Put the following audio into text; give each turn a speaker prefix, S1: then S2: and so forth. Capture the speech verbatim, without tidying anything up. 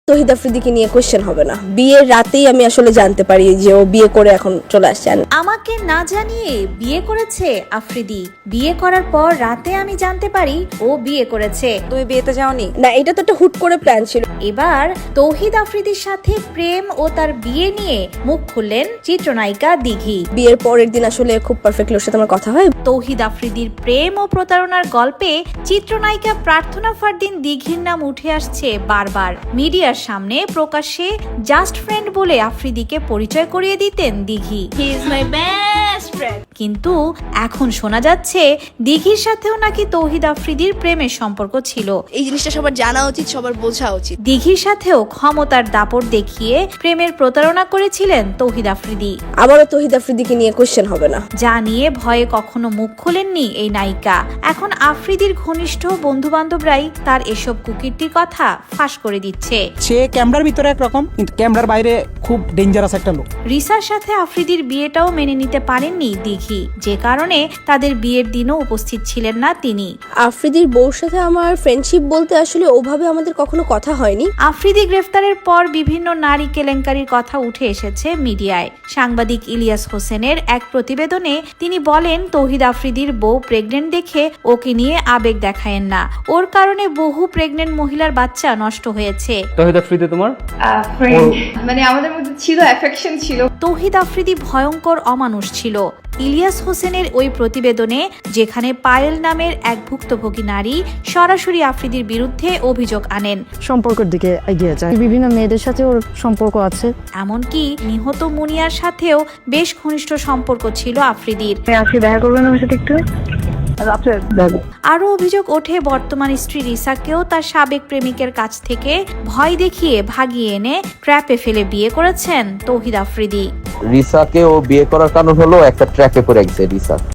S1: তহিদ আফ্রিদিকে নিয়ে কোশ্চেন হবে না। বিয়ের রাতেই আমি আসলে জানতে পারি যে ও বিয়ে করে এখন চলে আসছে।
S2: আমাকে না জানিয়ে বিয়ে করেছে আফ্রিদি। বিয়ে করার পর রাতে আমি জানতে পারি ও বিয়ে করেছে।
S3: তুমি বিয়েতে যাওনি?
S1: না, এটা তো একটা হুট করে প্ল্যান ছিল।
S2: এবার তৌহিদ আফ্রিদির সাথে প্রেম ও তার বিয়ে নিয়ে মুখ খুললেন চিত্রনায়িকা দিঘি।
S1: বিয়ের পরের দিন আসলে খুব পারফেক্টলি ওর সাথে আমার কথা হয়।
S2: তৌহিদ আফ্রিদির প্রেম ও প্রতারণার গল্পে চিত্রনায়িকা প্রার্থনা ফারদিন দিঘির নাম উঠে আসছে বারবার। মিডিয়ার সামনে প্রকাশ্যে জাস্ট ফ্রেন্ড বলে আফ্রিদিকে পরিচয় করিয়ে দিতেন Dighi.
S1: He is my best friend.
S2: কিন্তু এখন শোনা যাচ্ছে দিঘির সাথেও নাকি তৌহিদ আফ্রিদির প্রেমের সম্পর্ক ছিল।
S1: এই জিনিসটা সবার জানা উচিত, সবার বোঝা উচিত।
S2: দিঘির সাথেও ক্ষমতার দাপট দেখিয়ে প্রেমের প্রতারণা করেছিলেন তৌহিদ আফ্রিদি।
S1: আবারও তহিদ আফ্রিদিকে নিয়ে কোশ্চেন হবে না।
S2: যা নিয়ে ভয়ে কখনো মুখ খোলেননি এই নায়িকা। এখন আফ্রিদির ঘনিষ্ঠ বন্ধু বান্ধবরাই তার এসব কুকীর্তির কথা ফাঁস করে দিচ্ছে।
S4: সে ক্যামেরার ভিতরে একরকম, কিন্তু ক্যামেরার বাইরে খুব ডেঞ্জারাস একটা লোক।
S2: রিসার সাথে আফ্রিদির বিয়েটাও মেনে নিতে পারেননি দিঘি, যে কারণে তাদের বিয়ের দিনও উপস্থিত ছিলেন না তিনি।
S1: আফ্রিদির বউর সাথে আমার ফ্রেন্ডশিপ বলতে আসলে ওভাবে আমাদের কখনো কথা হয়নি।
S2: আফ্রিদি গ্রেফতারের পর বিভিন্ন নারী কেলেঙ্কারির কথা উঠে এসেছে মিডিয়ায়। সাংবাদিক ইলিয়াস হোসেনের এক প্রতিবেদনে তিনি বলেন, তৌহিদ আফ্রিদির বউ প্রেগনেন্ট দেখে ওকে নিয়ে আবেগ দেখায়েন না, ওর কারণে বহু প্রেগনেন্ট মহিলার বাচ্চা নষ্ট হয়েছে।
S5: তৌহিদ আফ্রিদি তোমার
S6: ফ্রেন্ড, মানে আমাদের মধ্যে ছিল অ্যাফেকশন ছিল।
S2: তৌহিদ আফ্রিদি ভয়ঙ্কর অমানুষ ছিল। ইলিয়াস হোসেনের ওই প্রতিবেদনে, যেখানে পায়েল নামের এক ভুক্তভোগী নারী সরাসরি আফ্রিদির বিরুদ্ধে অভিযোগ আনেন,
S7: সম্পর্কের দিকে এগিয়ে যায়, বিভিন্ন মেয়েদের সাথে ওর সম্পর্ক আছে,
S2: এমনকি নিহত মুনিয়ার সাথেও বেশ ঘনিষ্ঠ সম্পর্ক ছিল আফ্রিদির।
S7: আপনি দেখা করবেন আমার সাথে একটু?
S2: আরো অভিযোগ ওঠে বর্তমান স্ত্রী রিসাকেও তার সাবেক প্রেমিকের কাছ থেকে ভয় দেখিয়ে ভাগিয়ে এনে ট্র্যাপে ফেলে বিয়ে করেছেন তৌহিদ আফ্রিদি।
S8: রিসাকে ও বিয়ে করার কারণ হলো একটা ট্র্যাপে পড়ে গেছে রিসা।